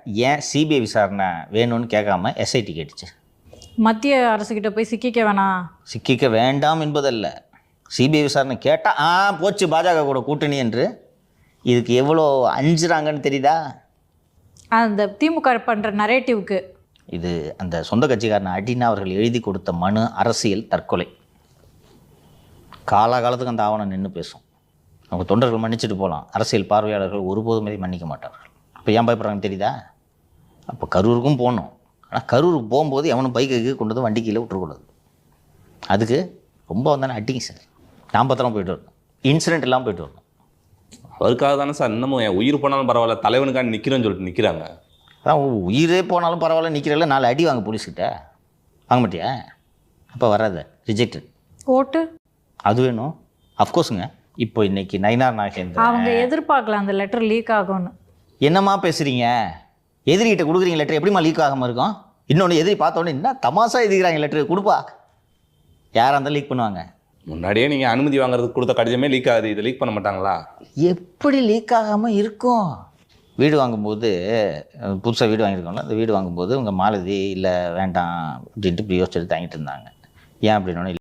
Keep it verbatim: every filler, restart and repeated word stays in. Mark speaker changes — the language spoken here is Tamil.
Speaker 1: ஏன் சிபிஐ விசாரணை வேணும்னு கேட்காம எஸ்ஐடி கேட்டுச்சு?
Speaker 2: மத்திய அரசுக்கிட்ட போய் சிக்கிக்க வேணாம்,
Speaker 1: சிக்கிக்க வேண்டாம் என்பதல்ல, சிபிஐ விசாரணை கேட்டால் ஆ போச்சு பாஜக கூட கூட்டணி என்று. இதுக்கு எவ்வளோ அஞ்சுறாங்கன்னு தெரியுதா?
Speaker 2: அந்த திமுக பண்ணுற நரேட்டிவ்க்கு.
Speaker 1: இது அந்த சொந்த கட்சிக்காரன் அடினா அவர்கள் எழுதி கொடுத்த மனு அரசியல் தற்கொலை. காலாகாலத்துக்கு அந்த ஆவணம் நின்று பேசும். அவங்க தொண்டர்கள் மன்னிச்சுட்டு போகலாம், அரசியல் பார்வையாளர்கள் ஒருபோதும் இதை மன்னிக்க மாட்டார்கள். இப்போ ஏன் பயப்படுறாங்கன்னு தெரியுதா? அப்போ கரூருக்கும் போகணும், ஆனால் கரூருக்கு போகும்போது எவனும் பைக்கு கொண்டு வந்து வண்டி கீழே விட்டுறக்கூடாது. அதுக்கு ரொம்ப வந்தானே அட்டிங்க சார். நான் பத்திரம் போயிட்டு வரணும், இன்சிடென்ட் எல்லாம் போயிட்டு வரணும்.
Speaker 3: அவருக்காக தானே சார் இன்னமும் என் உயிர் போனாலும் பரவாயில்ல தலைவனுக்காக நிற்கிறேன்னு சொல்லிட்டு நிற்கிறாங்க.
Speaker 1: அதான் உயிரே போனாலும் பரவாயில்ல நிற்கிறல்ல, நாலு அடி வாங்க போலீஸ்கிட்ட. வாங்க மாட்டியா? அப்போ வராத, ரிஜெக்டட்.
Speaker 2: ஓட்டு
Speaker 1: அது வேணும், அஃப்கோர்ஸுங்க. இப்போ இன்னைக்கு நயினார் நாகேந்திரன்
Speaker 2: அவங்க எதிர்பார்க்கல அந்த லெட்டர் லீக் ஆகும்னு.
Speaker 1: என்னம்மா பேசுகிறீங்க? எதிரிகிட்ட கொடுக்குறீங்க லெட்டர், எப்படிமா லீக் ஆகாமல் இருக்கும்? இன்னொன்று எதிரி பார்த்தோன்னே என்ன தமாசா எழுதிக்கிறாங்க லெட்டர், கொடுப்பா. யாராக இருந்தாலும் லீக் பண்ணுவாங்க.
Speaker 3: முன்னாடியே நீங்கள் அனுமதி வாங்குறதுக்கு கொடுத்த கடிதமே லீக் ஆகுது, இதை லீக் பண்ண மாட்டாங்களா?
Speaker 1: எப்படி லீக் ஆகாமல் இருக்கும்? வீடு வாங்கும்போது, புதுசாக வீடு வாங்கியிருக்கோம்ல, அந்த வீடு வாங்கும்போது உங்கள் மாலதி இல்லை வேண்டாம் அப்படின்ட்டு இப்படி யோசிச்சுட்டு தாங்கிட்டு இருந்தாங்க. ஏன் அப்படின்னா